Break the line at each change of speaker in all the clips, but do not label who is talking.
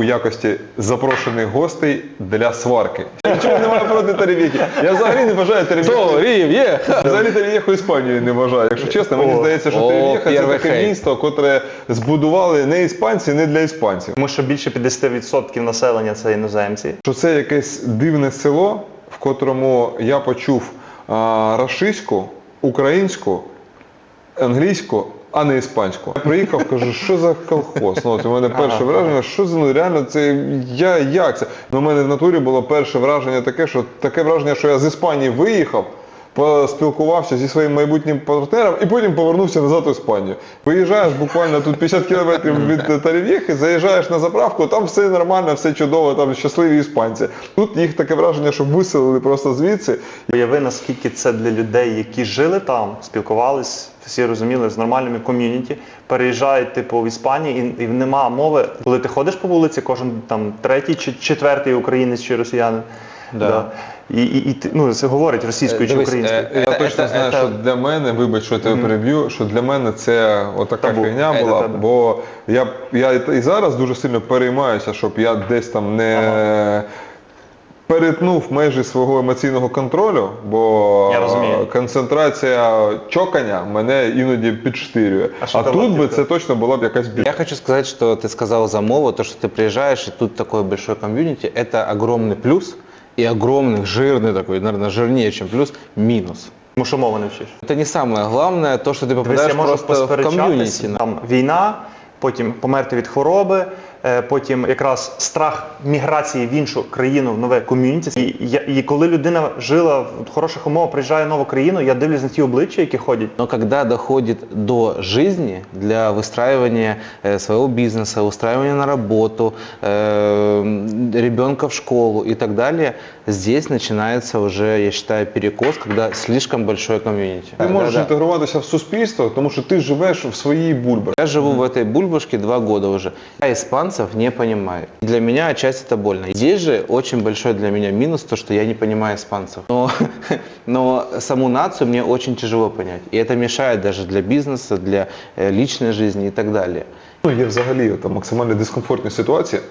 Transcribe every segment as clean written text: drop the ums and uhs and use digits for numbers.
якості запрошених гостей для сварки. Нічого немає проти Торрев'єхи. Я взагалі не вважаю Торрев'єху. Взагалі Торрев'єху Іспанію не вважаю. Якщо чесно, мені здається, що Торрев'єха це таке місто, котре збудували не іспанці, не для іспанців.
Тому що більше 50% населення це іноземці.
Що це якесь дивне село, в котрому я почув рашистську, українську, англійську, а не іспанську. Я приїхав, кажу, що за колхоз? Ну, от у мене перше враження, що за, ну, реально, це, як це? Ну, у мене в натурі було перше враження таке враження, що я з Іспанії виїхав, поспілкувався зі своїм майбутнім партнером і потім повернувся назад в Іспанію. Виїжджаєш буквально тут 50 кілометрів від Торрев'єхи, заїжджаєш на заправку, там все нормально, все чудово, там щасливі іспанці. Тут їх таке враження, що виселили просто звідси.
Уяви, наскільки це для людей, які жили там, спілкувались, всі розуміли, з нормальними ком'юніті, переїжджають типу в Іспанії і нема мови. Коли ти ходиш по вулиці, кожен там третій чи четвертий українець чи росіянин. Да. І ну, це говорить російською чи українською.
Я точно знаю, що для мене, вибач, що я тебе переб'ю, що для мене це отака фігня була, бо я і зараз дуже сильно переймаюся, щоб я десь там не перетнув межі свого емоційного контролю, бо концентрація чокання мене іноді підштирює. А тут би це точно була б якась більша.
Я хочу сказать, что ты сказал за мову, то, что ты приезжаешь, и тут такой большой комьюнити, это огромный плюс, и огромный, жирный такой, наверное, жирнее, чем плюс, минус.
Тому що мову не вчиш.
Это не самое главное, то, что ты попадаешь просто в комьюнити.
Там війна, потім померти від хвороби, потім якраз страх міграції в іншу країну, в нове ком'юніті. І коли людина жила в хороших умовах, приїжджає в нову країну, я дивлюсь на ті обличчя, які ходять.
Но когда доходит до жизни, для выстраивания своего бизнеса, устраивания на работу, ребенка в школу и так далее, здесь начинается уже, я считаю, перекос, когда слишком большое комьюнити.
Ти можеш інтегруватися в суспільство, тому що ти живеш в своїй бульбашці.
Я живу в этой бульбашке 2 года уже. Я испанцев не понимаю. Для меня отчасти это больно. Здесь же очень большой для меня минус, то, что я не понимаю испанцев. Но саму нацию мне очень тяжело понять. И это мешает даже для бизнеса, для личной жизни и так далее.
Ну, є взагалі максимально дискомфортні ситуації,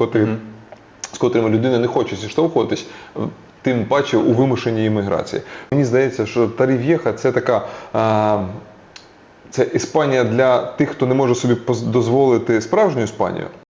з котрими людина не хоче зіштовхуватись, тим паче у вимушеній імміграції. Мені здається, що Торрев'єха – це така... Це Іспанія для тих, хто не може собі дозволити справжню Іспанію.